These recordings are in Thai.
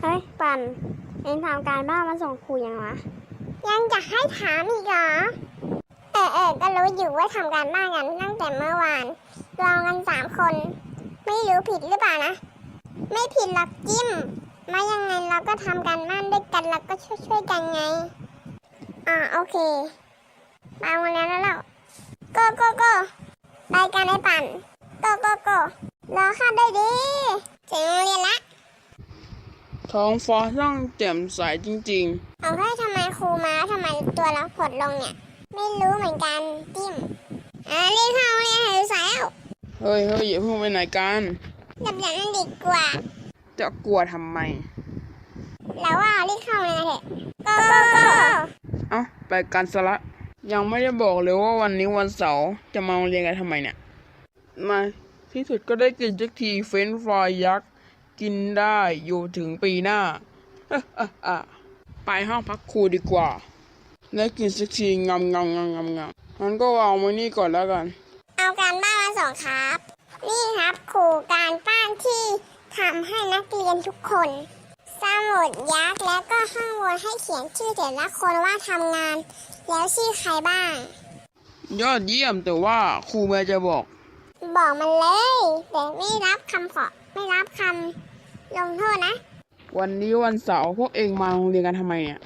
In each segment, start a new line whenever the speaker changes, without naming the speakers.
เฮ้ยปั่นเองทำการบ้านมาส่งครูยังวะ
ยังจะให้ถามอีกเหรอก็รู้อยู่ว่าทำการบ้านกันตั้งแต่เมื่อวานลองกัน3 คนไม่รู้ผิดหรือเปล่านะไม่ผิดหรอกจิ้มมายังไงเราก็ทำการบ้านด้วยกันเราก็ช่วยกันไงโอเคมาวันแล้วก็ไปกันไอ้ปั่นก็รอข้าได้ดิถึงโรงเรียนละ
ท้องฟ้าช่างแจ่มใสจริง
เอาให้ทำไมครูมาทำไมตัวเราผดลงเนี่ยไม่รู้เหมือนกันจิ้มเรียนเข้าโรงเรียนหายสายแล้ว
ๆ เฮ้ยอย่าเพิ่งไปไหนกัน
ดับอย่างนั้นดีกว่า
จะกลัวทำไม
แล้วว่ารีบเข้าเลยนะเถอะ
เอ้าไปกันซะละยังไม่ได้บอกเลยว่าวันนี้วันเสาร์จะมาโรงเรียนกันทำไมเนี่ยมาที่สุดก็ได้กินสักทีเฟรนช์ฟรายยักษ์กินได้อยู่ถึงปีหน้า ไปห้องพักครูดีกว่าได้กินสักทีงำงั้นก็วางไว้นี่ก่อนแล้วกัน
เอาการบ้านมาส่งครับ นี่ครับครูการบ้านที่ทำให้นักเรียนทุกคนสมุดยักษ์แล้วก็ข้างบนให้เขียนชื่อแต่ละคนว่าทำงานแล้วชื่อใครบ้าง
ยอดเยี่ยมแต่ว่าครูแม่จะบอก
มันเลยแต่ไม่รับคำลงโทษนะ
วันนี้วันเสาร์พวกเองมาโรงเรียนกันทำไมเนี่ย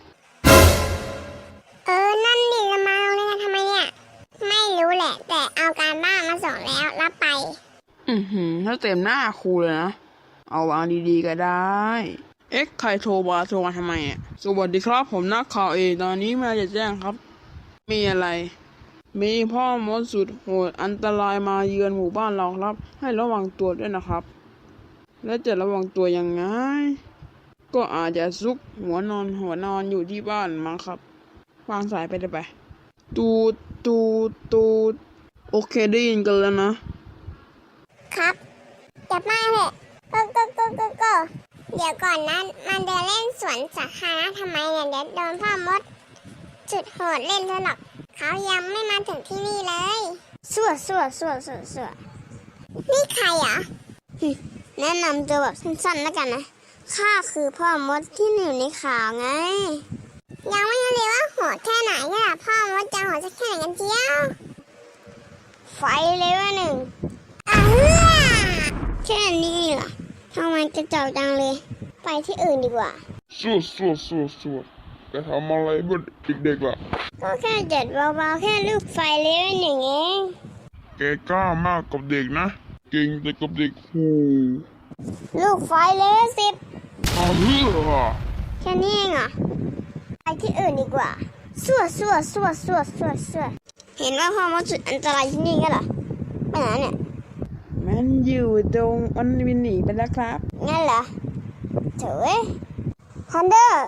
นั่นดิจะมาโรงเรียนกันทำไมเนี่ยไม่รู้แหละแต่เอาการบ้านมาส่งแล้วรับไป
ถ้าเต็มหน้าครูเลยนะเอาวางดีๆก็ได้ใครโทรมาทำไมอ่ะสวัสดีครับผมนักข่าวตอนนี้มาจะแจ้งครับมีอะไรมีพ่อมดสุดโหดอันตรายมาเยือนหมู่บ้านเราครับให้ระวังตัวด้วยนะครับและจะระวังตัวยังไงก็อาจจะซุกหัวนอนอยู่ที่บ้านมั้งครับวางสายไปได้ไปตูดโอเคได้ยินกันแล้วนะครับ
จับมาเถอะก็เดี๋ยวก่อนนะมันเดินเล่นสวนสาธารณะทำไมเนี่ยเดี๋ยวโดนพ่อมดจุดโหดเล่นซะหรอกเขายังไม่มาถึงที่นี่เลย
สั่ว
นี่ใครอ่ะ
แนะนำตัวแบบสั้นๆแล้วกันนะข้าคือพ่อมดที่อยู่ในข่าวไง
ยังไม่รู้เลยว่าโหดแค่ไหนก็พ่อมดจะโหดสักแค่ไหนกันเจียว
ไฟเลเวล 1แค่นี้เหรอทำไมจะเจ้าจังเลยไปที่อื่นดีกว่า
สู้แกทำอะไรบ้างเด็กๆล่ะ
ก็แค่จัดเบาๆแค่ลูกไฟเลเวล 1เอง
แกกล้ามากกับเด็กนะเก่งแต่กับเด็ก
ลูกไฟเลเวล 10แค่นี้เองเหรอไปที่อื่นดีกว่าสั่วเห็นว่าพ่อมดสุดอันตรายที่นี่กันเหรอไปไหนเนี่ย
มันอยู่ตรงมันวินหนีไปแล้วครับ
งั้นเหรอเจ๋ยฮันเดอร์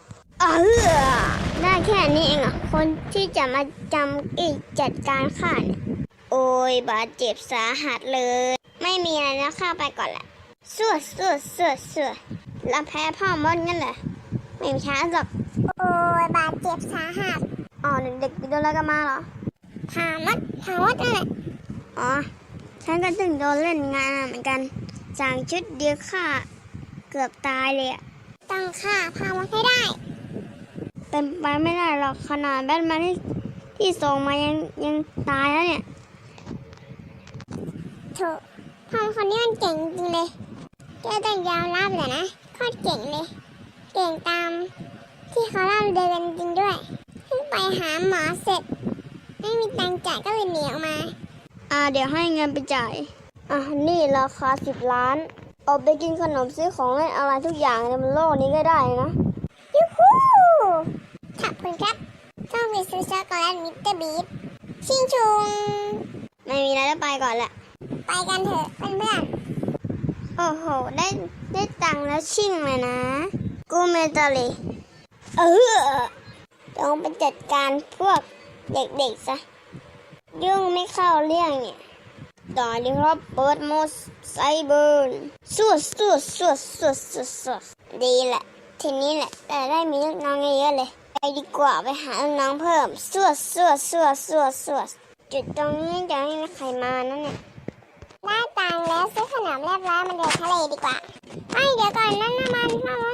ได้แค่นี้เองเหรอคนที่จะมาจัดการข้าเนี่ยโอ้ยบาดเจ็บสาหัสเลยไม่มีอะไรแล้วข้าไปก่อนแหละสั่วแล้วแพ้พ่อมดงั้นเหรอไม่มีช้าหรอก
โอ้ยบาดเจ็บสาหัส
เด็กๆโดนอะไรกันมาเหรอ
ถามมดนั่นแหละ
ฉันก็ถึงโดนเล่นงานเหมือนกันจากชุดเดียวข้าเกือบตายเลย
ต้องฆ่าพามดให้ได้
เป็นไปไม่ได้หรอกขนาดแบทแมนที่ส่งมายังตายแล้วเนี่ย
ถูกพ่อคนนี้มันเก่งจริงเลยก็ต้องยอมรับเลยนะโคตรเก่งเลยเก่งตามที่เขาเล่าเดินจริงด้วยเพิ่งไปหาหมอเสร็จไม่มีตังค์จ่ายก็เลยหนีออกมา
เดี๋ยวให้เงินไปจ่ายนี่ราคา10 ล้านเอาไปกินขนมซื้อของเล่นอะไรทุกอย่างในโลกนี้ก็ได้นะ
ยูฮูขอบคุณครับต้องไปซื้อช็อกโกแลตมิสเตอร์บีทชิงชุง
ไม่มีอะไรแล้วไปก่อนแหละ
ไปกันเถอะเพื่อน
โอ้โหได้ตังค์แล้วชิ่งเลยนะกูเมตาลีต้องไปจัดการพวกเด็กๆซะยุ่งไม่เข้าเรื่องเนี่ยต่อดีครับเปิดโหมดไซเบอร์สั่วดีแหละทีนี้แหละแต่ได้มีน้องเยอะเลยไปดีกว่าไปหาน้องเพิ่มสั่วจุดตรงนี้จะไม่มีใครมานั่นเนี่ย
ได้ตังค์แล้วซื้อขนมเรียบร้อยมาเดินทะเลดีกว่าเดี๋ยวก่อนนั่นน้ำมันพ่อมด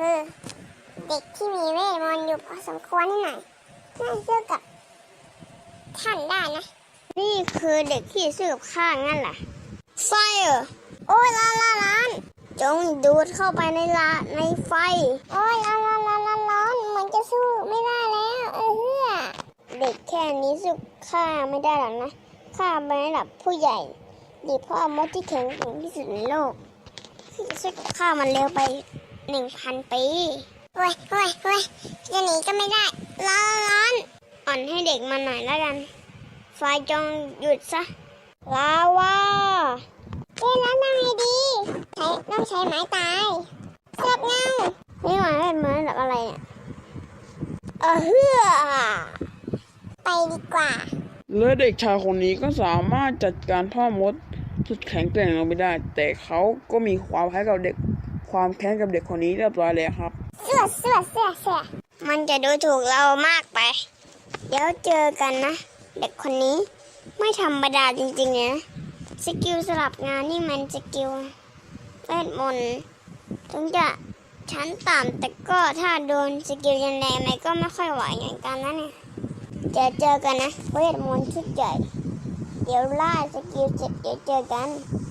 คือเด็กที่มีเวทมนต์อยู่พอสมควรนี่หน่อยน่าสู้กับท่านได้นะ
นี่คือเด็กที่ซื้อกับข้างั้นเหรอไฟเหรอ
โอ้ยร้อน
จงดูดเข้าไปในไฟ
โอ้ยร้อนเหมือนจะสู้ไม่ได้แล้วเฮือ
เด็กแค่นี้สู้ข้าไม่ได้หรอกนะข้าเป็นระดับผู้ใหญ่ดีพ่อมดที่แข็งแกร่งที่สุดในโลกที่จะสู้กับข้ามันเร็วไป 1,000 ปี
โอ้ยจะหนีก็ไม่ได้ร้อน
อ่อนให้เด็กมันหน่อยแล้วกัน ไฟจงหยุดซะ ลาวา
แล้วทำไงดีต้องใช้ไม้ตายเสือกเงา
นี่หมายเป็นเหมือนแบบอะไรเนี่ยเฮือ
ไปดีกว่า
และเด็กชายคนนี้ก็สามารถจัดการพ่อมดสุดแข็งแกร่งลงไปได้ แต่เขาก็มีความแค้นกับเด็กคนนี้เรียบร้อยแล้วครับ
เสือ
มันจะดูถูกเรามากไป เดี๋ยวเจอกันนะ เด็กคนนี้ไม่ธรรมดาจริงๆนะสกิลสลับงานนี่มันสกิลเวทมนต์ถึงจะชั้นต่ำแต่ก็ถ้าโดนสกิลยันแรงมันก็ไม่ค่อยไหวอย่างกันนะเนี่ยเจอกันนะเวทมนต์ชุดใหญ่เดี๋ยวล่าสกิลเสร็จเดี๋ยวเจอกัน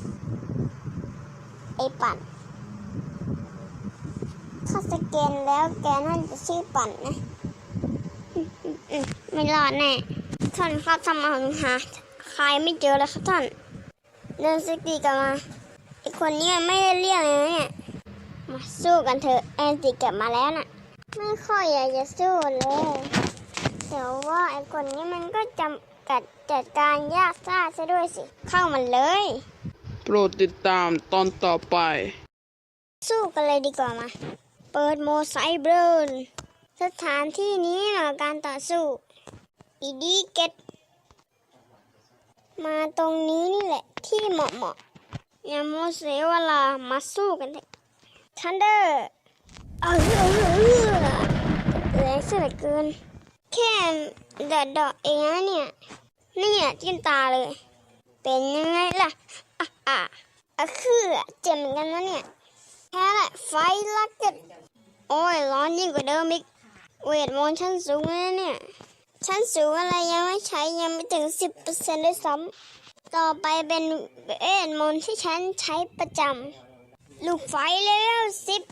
ไอ้ปั่นถ้าสแกนแล้วแกน่าจะชื่อปั่นนะไม่รอดแน่ท่านครับทำไมผมหาใครไม่เจอเลยครับท่านเดินสกีกลับมาไอคนนี้มันไม่ได้เรียกเลยนะเนี่ยมาสู้กันเถอะแอนติกลับมาแล้วน่ะไม่ค่อยอยากจะสู้เลยแต่ว่าไอคนนี้มันก็จำกัดจัดการยากซ่าซะด้วยสิเข้ามันเลย
โปรดติดตามตอนต่อไป
สู้กันเลยดีกว่ามาเปิดโหมดไซเบอร์สถานที่นี้เหรอการต่อสู้อีดีเกตมาตรงนี้นี่แหละที่เหมาะอย่าโมเสียเวลามาสู้กันเถอะทันเดอร์แรงเสียเหลือเกินแค่ดอกเองนะเนี่ยจิ้มตาเลยเป็นยังไงล่ะคือเจ็บเหมือนกันนะเนี่ยแค่แหละไฟลักเก็ตโอ้ยร้อนยิ่งกว่าเดิมอีกเวทมนต์ชั้นสูงเลยเนี่ยชั้นสูงอะไรยังไม่ใช้ยังไม่ถึง 10% ด้วยซ้ำต่อไปเป็นเวทมนต์ที่ฉันใช้ประจำลูกไฟเลเวล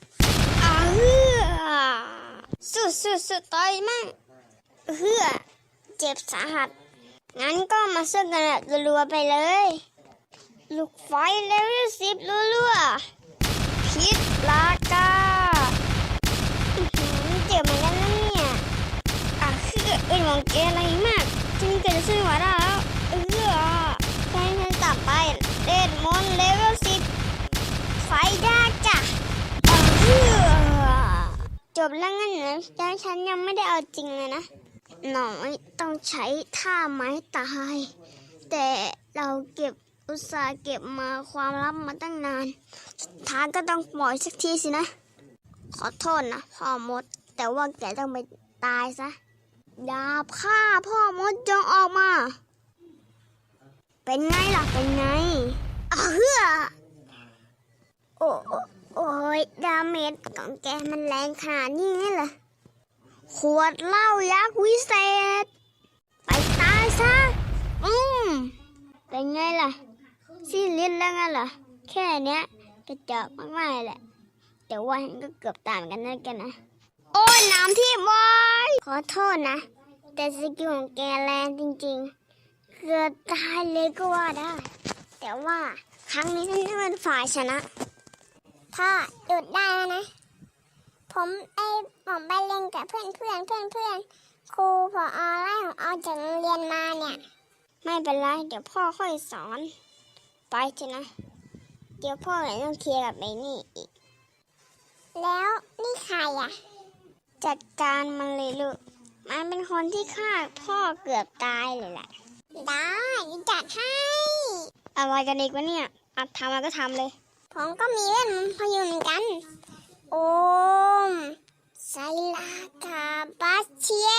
10สู้ต่อยมั่งเจ็บสาหัสงั้นก็มาสู้กันแบบรัวๆไปเลยลูกไฟเลเวล10รัวๆพิษลากาเจ็บเหมือนกันนะเนี่ยมองเกอะไรมากจึงเกิดสู้ไหวแล้วแค่ฉันต่อไปเล่นมอนเลเวล10ไฟได้จ้ะจบแล้วงั้นเหรอแล้วฉันยังไม่ได้เอาจริงเลยนะหน่อยต้องใช้ท่าไม้ตายแต่เราอุตส่าห์เก็บมาความลับมาตั้งนานสุดท้ายก็ต้องปล่อยสักทีสินะขอโทษนะพ่อมดแต่ว่าแกต้องไปตายซะดาบฆ่าพ่อมดจงออกมาเป็นไงล่ะเป็นไงโอ้ยดาเมจของแกมันแรงขนาดนี้เหรอขวดเหล้ายักษ์วิเศษไปตายซะเป็นไงล่ะสิ้นฤทธิ์แล้วไงล่ะแค่เนี้ยกระจอกมากๆแหละแต่ว่าฉันก็เกือบตามกันนั่นกันนะโอ้ยน้ำที่บอยขอโทษนะแต่สกิลของแกแรงจริงๆเกือบตายเลยก็ว่าได้แต่ว่าครั้งนี้ฉันจะเป็นฝ่ายชนะ
พ่อหยุดได้แล้วนะผมไปเล่นกับเพื่อนครูพอไล่ผมออกจากโรงเรียนมาเนี่ย
ไม่เป็นไรเดี๋ยวพ่อค่อยสอนไปเถอะนะเดี๋ยวพ่อเลยต้องเคลียร์กับไอ้นี่อีก
แล้วนี่ใครอ่ะ
จัดการมันเลยลูกมันเป็นคนที่ฆ่าพ่อเกือบตายเลยแหละ
ได้จัดให้
อะไรกันอีกวะเนี่ยทำอะไรก็ทำเลย
ผมก็มีเวทมนต์พยุนเหมือนกันโอมไซลากาบัสเชีย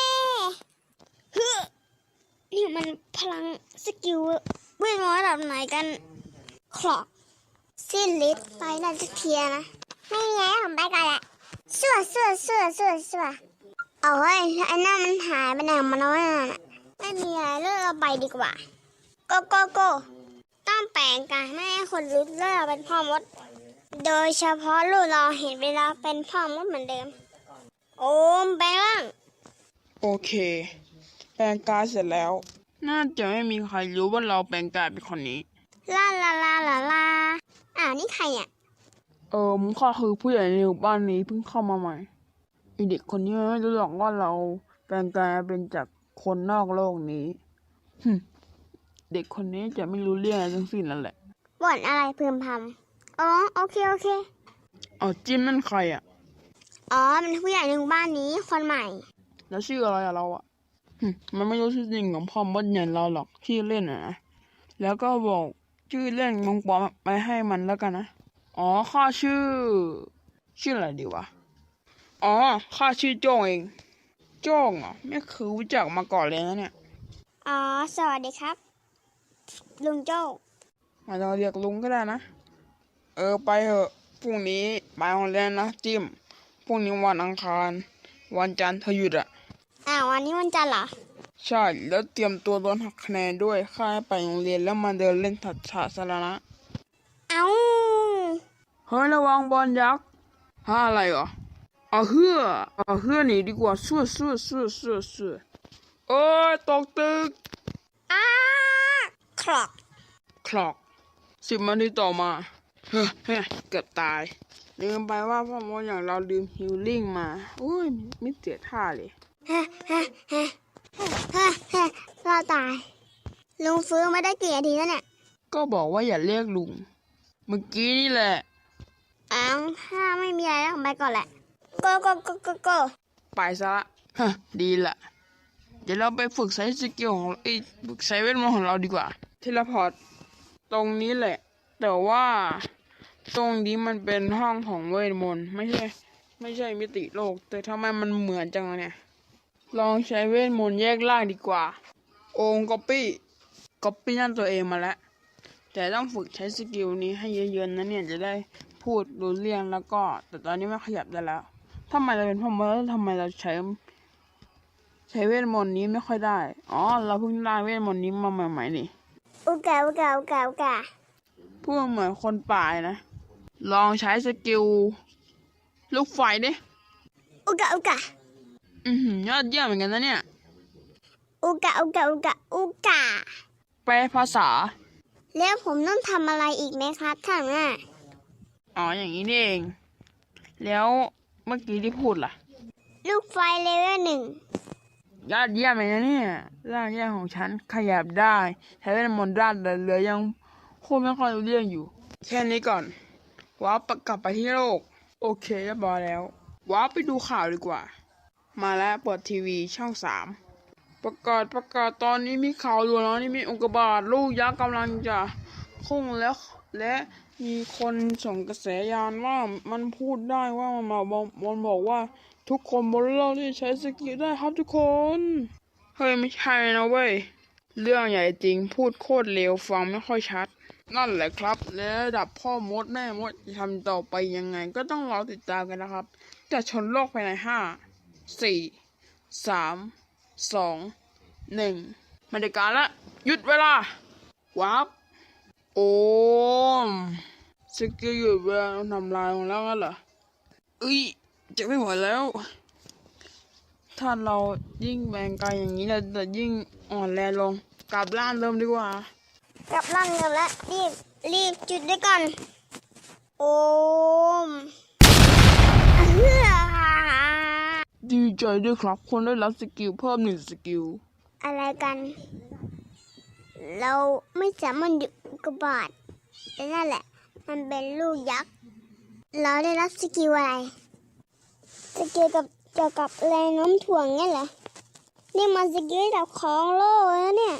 นี่มันพลังสกิลเวทมนต์ระดับไหนกันคลอกสิ้นฤทธิ์ไปน่าจะเทียนะ
ไม่มีอะไรผมไปก่อนแหละสั่วสั่วสั่วสั่วสั่ว
เอาเฮ้ยไอ้นั่นมันหายไปไหนของมันแล้วน่ะไม่มีอะไรเลิกเราไปดีกว่าโกต้องแปลงกายไม่ให้คนรู้เลิกเราเป็นพ่อมด โดยเฉพาะลูกเราเห็นเวลาเป็นพ่อมดเหมือนเดิม โอมแปลงร่าง
โอเค แปลงกายเสร็จแล้ว น่าจะไม่มีใครรู้ว่าเราแปลงกายเป็นคนนี้
ลาลาลาลาลานี่ใครอ่ะ
มึงข้าคือผู้ใหญ่ในหมู่บ้านนี้เพิ่งเข้ามาใหม่ไอเด็กคนนี้ไม่รู้หรอกว่าเราแปลงกายเป็นจากคนนอกโลกนี้เด็กคนนี้จะไม่รู้เรื่องอะไรทั้งสิ้นนั่นแหละ
บ่นอะไรพึมพำอ๋อโอเค
จิ้มนั่นใครอ่ะ
มันผู้ใหญ่ในหมู่บ้านนี้คนใหม่
แล้วชื่ออะไรอะเราอ่ะมันไม่รู้ชื่อจริงของพ่อมดอย่างเราหรอกชื่อเล่นนะแล้วก็บอกชื่อเล่นมงปอมไปให้มันแล้วกันนะข้าชื่ออะไรดีวะข้าชื่อโจ้งเองโจ้งเหรอไม่เคยรู้จักมาก่อนเลยนะเนี่ย
สวัสดีครับ ลุงโจ้
อาจจะเรียกลุงก็ได้นะไปเถอะพรุ่งนี้ไปโรงเรียนนะจิ้มพรุ่งนี้วันอังคารวันจันทร์เธอหยุดอ่ะ
วันนี้วันจันทร์เหรอ
ใช่แล้วเตรียมตัวโดนหักคะแนนด้วยค่าให้ไปโรงเรียนแล้วมาเดินเล่นสาธารณะเฮ้ยระวังบอลยักษ์อะไรเหรอเอาเฮือหนีดีกว่าสู้โอ้ยตกตึก
ครอก
10 นาทีต่อมาเฮ้ยเกือบตายลืมไปว่าพ่อมดอย่างเราลืมฮิลลิ่งมาโอ้ยไม่เสียท่าเลย
เราตาย ลุงฟื้นมาได้กี่นาทีแล้วเนี่ย
ก็บอกว่าอย่าเรียกลุงเมื่อกี้นี่แหละ
ถ้าไม่มีอะไรแล้วไปก่อนแหละโก
ไปซะละดีละเดี๋ยวเราไปฝึกใช้สกิลของฝึกใช้เวทมนต์ของเราดีกว่าเทเลพอร์ตตรงนี้แหละแต่ว่าตรงนี้มันเป็นห้องของเวทมนต์ไม่ใช่มิติโลกแต่ทำไมมันเหมือนจังเนี่ยลองใช้เวทมนต์แยกล่างดีกว่าโอมก๊อปปี้นั่นตัวเองมาแล้วแต่ต้องฝึกใช้สกิลนี้ให้เยอะๆนะเนี่ยจะได้พูดรู้เรื่องแล้วก็แต่ตอนนี้ไม่ขยับได้แล้วทำไมเราเป็นพ่อมดแล้วทำไมเราใช้เวทมนต์นี้ไม่ค่อยได้เราเพิ่งได้เวทมนต์นี้มาใหม่ๆนี่
อุกา
พูดเหมือนคนป่านะลองใช้สกิลลูกไฟดิ
อุกา
ยอดเยี่ยมเหมือนกันนะเนี่ย
อุกา
แปลภาษา
แล้วผมต้องทำอะไรอีกไหมครับท่านน่ะ
อย่างนี้นี่เองแล้วเมื่อกี้ที่พูดล่ะ
ลูกไฟเลเวล1
ยอดเยี่ยมเลยนะเนี่ยร่างแยกของฉันขยับได้ใช้เวทมนต์ด้านเหลือยังพูดไม่ค่อยรู้เรื่องอยู่แค่นี้ก่อนว้าประกลับไปที่โลกโอเคเรียบร้อยแล้วว้าไปดูข่าวดีกว่ามาแล้วเปิดทีวีช่อง3ประกาศตอนนี้มีข่าวด่วนแล้วนี่มีอุกกาบาตลูกยักษ์กำลังจะพุ่งแล้วและมีคนส่งกระแสยานว่ามันพูดได้ว่ามันบอกว่าทุกคนบนโลกที่ใช้สกิลได้ครับทุกคนเฮ้ยไม่ใช่นะเว้ยเรื่องใหญ่จริงพูดโคตรเร็วฟังไม่ค่อยชัดนั่นแหละครับและระดับพ่อมดแม่มดจะทำต่อไปยังไงก็ต้องรอติดตามกันนะครับจะชนโลกภายใน5 4 3 2 1มาเดการละหยุดเวลาวับโอมสกิลหยุดเวลาทำลายของแล้วงั้นเหรอจะไม่ไหวแล้วถ้าเรายิ่งแบ่งกายอย่างนี้เราจะยิ่งอ่อนแรงลงกลับร่างเริ่มดีกว่าก
ลับร่างเริ่มแล้วรีบจุดด้วยก่อนโอม
ดีใจด้วยครับคนได้รับสกิลเพิ่ม1 สกิล
อะไรกันเราไม่สามารถหยุดอุกกาบาตแต่นั่นแหละมันเป็นลูกยักษ์เราได้รับสกิลอะไรสกิลเกี่ยวกับแรงโน้มถ่วงงั้นเหรอนี่มันสกิลระดับของโลกแล้วเนี่ย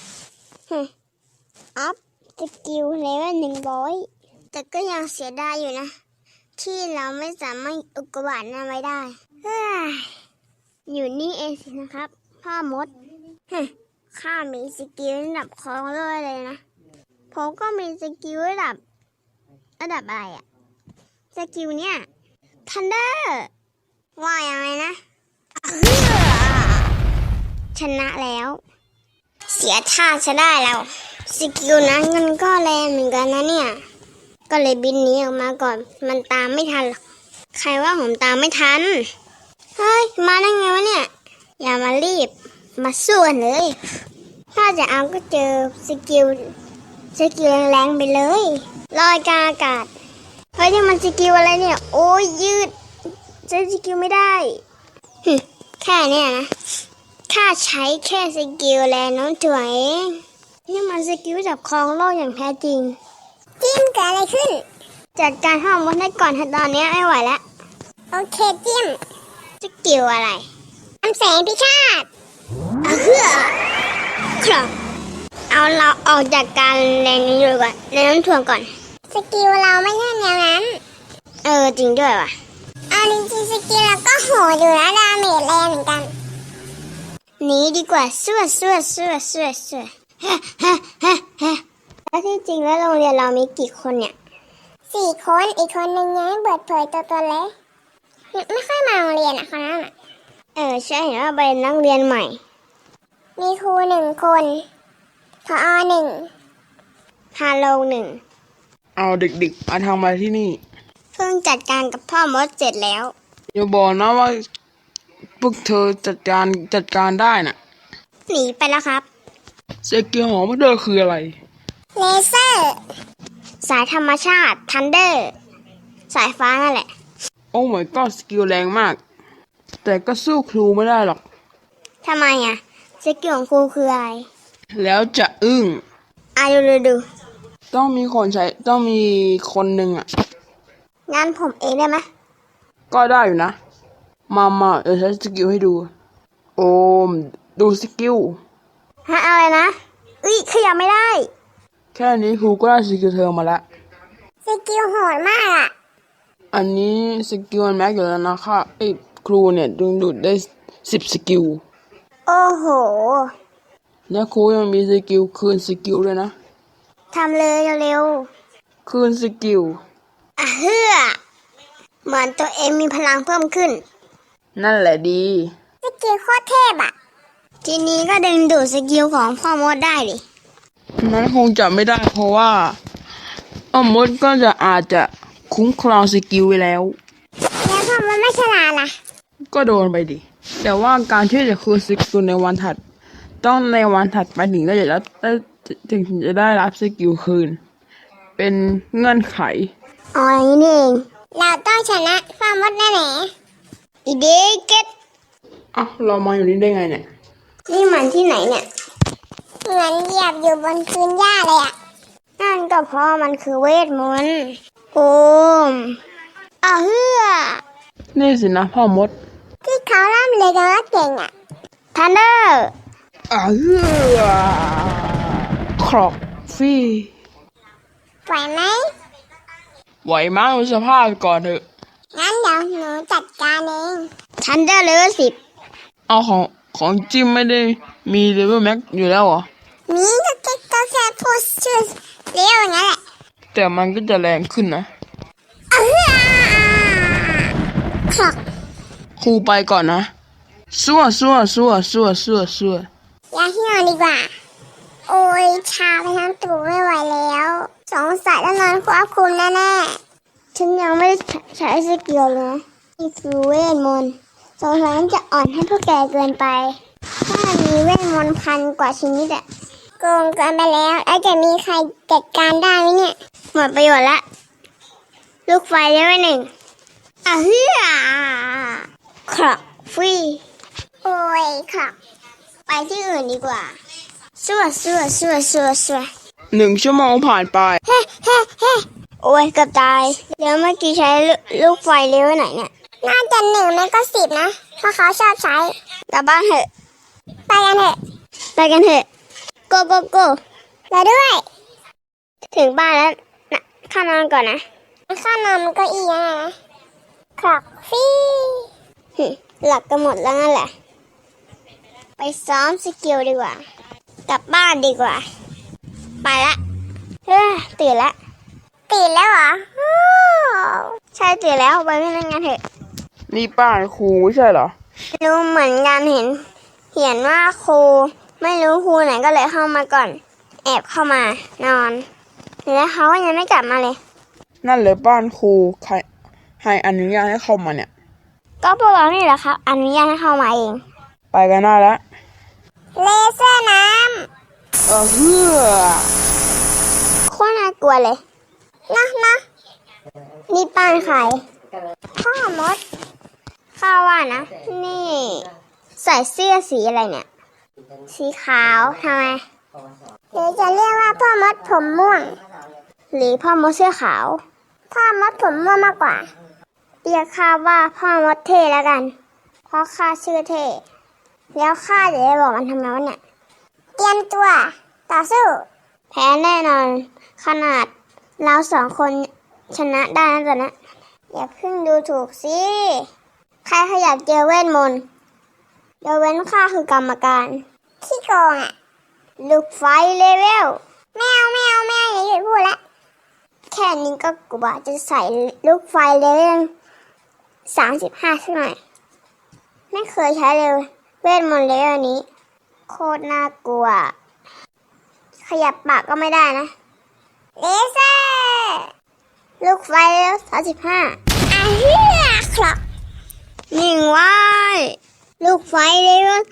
อัพสกิลเลเวล100แต่ก็ยังเสียดายอยู่นะที่เราไม่สามารถอุกกาบาตนั้นไว้ได้อยู่นี่เองสินะครับพ่อมดข้ามีสกิลระดับของโลกเลยนะผมก็มีสกิลระดับอะไรอะสกิลเนี่ยทันเดอร์ว่ายังไงนะเฮ้อชนะแล้ว เสียท่าจะได้แล้วสกิลนั้นมันก็แรงเหมือนกันนะเนี่ย ก็เลยบินหนีออกมาก่อน มันตามไม่ทันหรอกใครว่าผมตามไม่ทัน เฮ้ย มาได้ไงวะเนี่ย อย่ามารีบ มาสู้กันเลย ถ้าจะเอาก็เจอสกิลแรงๆไปเลยลอยกลางอากาศ เฮ้ยนี่มันสกิลอะไรเนี่ย โอ้ยยืดใช้สกิลไม่ได้แค่เนี้ยนะข้าใช้แค่สกิลแรงโน้มถ่วงเองนี่มันสกิลจับครองโลกอย่างแท้จริง
จิ้มเกิดอะไรขึ้น
จัดการห้องมดให้ก่อนเถอะตอนนี้ไม่ไหวแล้ว
โอเคจิ้ม
สกิลอะไร
อำแสงพิฆาต
เพื่อครับเอาเราออกจากการแรงนี้เลยก่อนแรงโน้มถ่วงก่อน
สกิลเราไม่ใช่แนวนั้น
จริงด้วยว่ะ
เอาจริงๆสกิลเราก็โหดอยู่นะดาเมจแรงเหมือนกัน
หนีดีกว่าสู้แล้วที่จริงแล้วโรงเรียนเรามีกี่คนเนี่ย
4 คนอีกคนนึงยังไม่เปิดเผยตัวเลยไม่ค่อยมาโรงเรียนอ่ะคนนั้นอ่ะ
ใช่เห็นว่าเป็นนักเรียนใหม่
มีครู1 คนผอ1
ฮาโลหนึ่ง
เอาเด็กๆมาทำมาที่นี่
เพิ่งจัดการกับพ่อมดเสร็จแล้ว
อย่าบอกนะว่าพวกเธอจัดการได้น่ะ
หนีไปแล้วครับ
สกิลของพวกเธอคืออะไร
เลเซอร์
สายธรรมชาติทันเดอร์สายฟ้านั่นแหละ
โอ้ my god สกิลแรงมาก แต่ก็สู้ครูไม่ได้หรอก
ทำไมอ่ะสกิลของครูคืออะไร
แล้วจะอึ้ง
ดู
ต้องมีคนหนึ่งอ่ะ
งั้นผมเองได้ไหม
ก็ได้อยู่นะ มาเดี๋ยวใช้สกิลให้ดู โอม ดูสกิล
อะไรนะขยับไม่ได้
แค่นี้ครูก็ได้สกิลเธอมาแล้ว
สกิลโหดมากอ่ะ
อันนี้สกิลมันแม็กอยู่แล้วนะคะครูเนี่ยดึงดูดได้10 สกิล
โอ้โห
และครูยังมีสกิลคืนสกิลด้วยนะ
ทำเลยเร็ว
คืนสกิล
ๆเหมือนตัวเองมีพลังเพิ่มขึ้น
นั่นแหละดี
สกิลโคตรเทพอ่ะ
ทีนี้ก็ดึงดูดสกิลของพ่อมดได้ดิ
นั้นคงจะไม่ได้เพราะว่าอ้อมมดก็อาจจะคุ้มครองสกิลไว้แล้ว
แล้วพอมันไม่ฉลาดล่ะ
ก็โดนไปดิ แต่ว่าการที่จะคืนสกิลในวันถัด ต้องในวันถัดไปถึงจะได้รับสกิลคืน เป็นเงื่อนไข
อย่างนี้นี่เอง
เราต้องชนะพ่อมดแน่แน่
อีเดเก็ต
เรามาอยู่นี่ได้ไงเนี่ย
นี่มันที่ไหนเนี่ย
เหมือนเหยียบอยู่บนพื้นหญ้าเลยอ่ะ
นั่นก็เพราะมันคือเวทมนต์โอม
นี่สินะพ่อมด
ที่เขาล่ำเลยกันว่าเก่งอ่ะ
ทันเดอร์
ครอกฟี่
ไหวไหม
ไหวมากดูสภาพก่อนเถอะ
งั้นเดี๋ยวหนูจัดการเอง
ทันเดอร์เลเวล10
เอาของจิ้มไม่ได้มีเลเวลแม็กอยู่แล้วเหรอ
มีก็แค่พูดชื่อเรียวอย่างนั้นแหละ
แต่มันก็จะแรงขึ้นนะ
ครอก
ครูไปก่อนนะซั่ว
อย่าเหี่ยวดีกว่า โอ้ยชาไปทั้งตัวไม่ไหวแล้วสงสัยต้องนอนควบคุมแน่
ฉันยังไม่ได้ใช้สกิลเลยนะนี่คือเวทมนต์สงสัยมันจะอ่อนให้พวกแกเกินไป ถ้ามีเวทมนต์1,000 กว่าชนิดอะ
ๆโกงเกินไปแล้วจะมีใครจัดการได้ไหมเนี่ย
หมดประโยชน์ละ ลูกไฟเลเวล1ครอกฟรี
โอ้ยครอก
ไปที่อื่นดีกว่าซั่ว
1 ชั่วโมงผ่านไป
โอ้ยเกือบตาย เดี๋ยวเมื่อกี้ใช้ลูกไฟเลเวลไหนเนี่ย
น่าจะ1ไม่ก็10นะเพราะเขาชอบใช้
กลับบ้านเถอะ
ไปกันเถอะ
go
เราด้วย
ถึงบ้านแล้วนะข้านอนก่อนนะ
ข้านอนมันก็อียังไงนะครอกฟี่
หลับกันหมดแล้วนั่นแหละ ไปซ้อมสกิลดีกว่า กลับบ้านดีกว่า ไปละตื่นละ
ตื่นแล้วเหรอ
ใช่ตื่นแล้วไปเล่นงานเถอะ
นี่ป้ายครูไม่ใช่เหรอ
รู้เหมือนกันเห็นเขียนว่าครูไม่รู้ครูไหนก็เลยเข้ามาก่อน แอบเข้ามานอน แล้วเขาก็ยังไม่กลับมาเลย
นั่นเลยบ้านครูใครให้อนุญาตให้เข้ามาเนี่ย
ก็พวกเรานี่แหละครับอนุญาตให้เข้ามาเอง
ไปกันได้แล้ว
เลเซอร์น้
เฮือ
โคตรน่ากลัวเลย
ำนะ
นี่ป้านใคร
พ่อมด
ข้าว่านะ นี่ใส่เสื้อสีอะไรเนี่ย สีขาวทำไม
หรือจะเรียกว่าพ่อมดผมม่วง
หรือพ่อมดเสื้อขาว
พ่อมดผมม่วงมากกว่า
เรียกข้าว่าพ่อมดเท่แล้วกัน เพราะข้าชื่อเท่ แล้วข้าจะได้บอกมันทำไมวะเนี่ย
เตรียมตัวต่อสู้
แพ้แน่นอน ขนาดเราสองคนชนะได้นะตอนนั้นอย่าเพิ่งดูถูกสิ ใครขยับเจอเวทมนต์ยกเว้นข้าคือกรรมการ
ขี้โกงอ่ะ
ลูกไฟเลเวล
ไม่เอาอย่าหยุดพูดละ
แค่นี้ก็กว่าจะใส่ลูกไฟเลเวล35สักหน่อยไม่เคยใช้เลยเวทมนต์เลเวลนี้ โคตรน่ากลัว ขยับปากก็ไม่ได้นะ
เลเซอร์
ลูกไฟเลเวล35
เฮือคลอก
นิ่งไว้ ลูกไฟเลเวล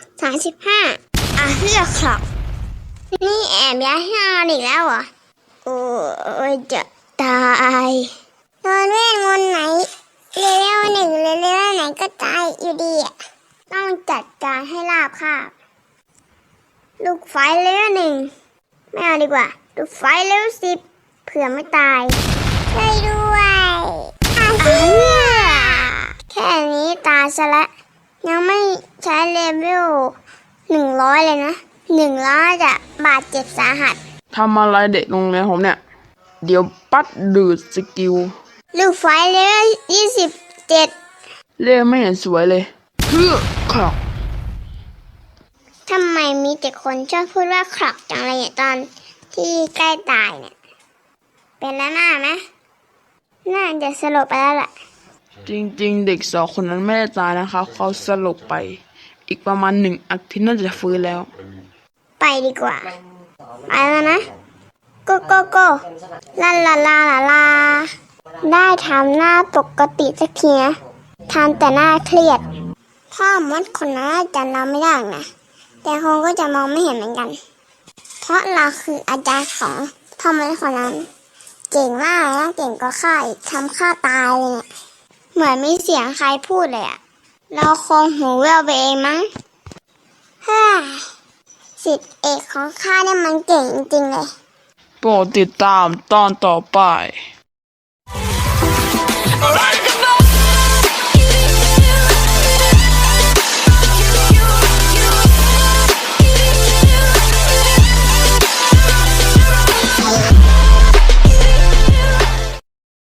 35เฮือกคลอก นี่แอบย้ายให้นอนอีกแล้วเหรอ โอ้ยจะตาย
โดนเวทมนต์ไหนเลเวลหนึ่งหรือเลเวลไหนก็ตายอยู่ดีอ่ะ
ต้องจัดการให้ราบคาบ ลูกไฟเลเวล1ไม่เอาดีกว่า ลูกไฟเลเวล10เผื่อไม่ตาย
ช่วยด้วย
เฮือแค่นี้ตายซะและยังไม่ใช้เลเวล100เลยนะ100จะบาดเจ็บสาหัส
ทำอะไรเด็กโรงเรียนผมเนี่ย เดี๋ยวปัดดูดสกิล
ลูกไฟเลเวล27
เล่ไม่เห็นสวยเลยเฮือครอก
ทำไมมีแต่คนชอบพูดว่าครอกจังเลยเนี่ยตอนที่ใกล้ตายเนี่ย เป็นแล้วหน้าไหมน่าจะสลบไปแล้วแหละ
จริงๆ เด็กสองคนนั้นไม่ได้ตายนะคะเขาสลบไป อีกประมาณ1 อาทิตย์น่าจะฟื้นแล้ว
ไปดีกว่า ไปแล้วนะ โกโกโกลาลาลาลาลา ได้ทำหน้าปกติสักทีนะทำแต่หน้าเครียด พ่อมดคนนั้นอาจารย์เราไม่ได้หรอกนะ แต่คงก็จะมองไม่เห็นเหมือนกัน เพราะเราคืออาจารย์ของพ่อมดคนนั้น เก่งมากนะเก่งกว่าข้าอีกทำข้าตายเลยเนี่ยเหมือนมีเสียงใครพูดเลยอะเราคงหูแว่วไปเองมั้งเฮ้ยศิษย์เอกของข้าเนี่ยมันเก่งจริงๆเลย
โปรดติดตามตอนต่อไป
Alright.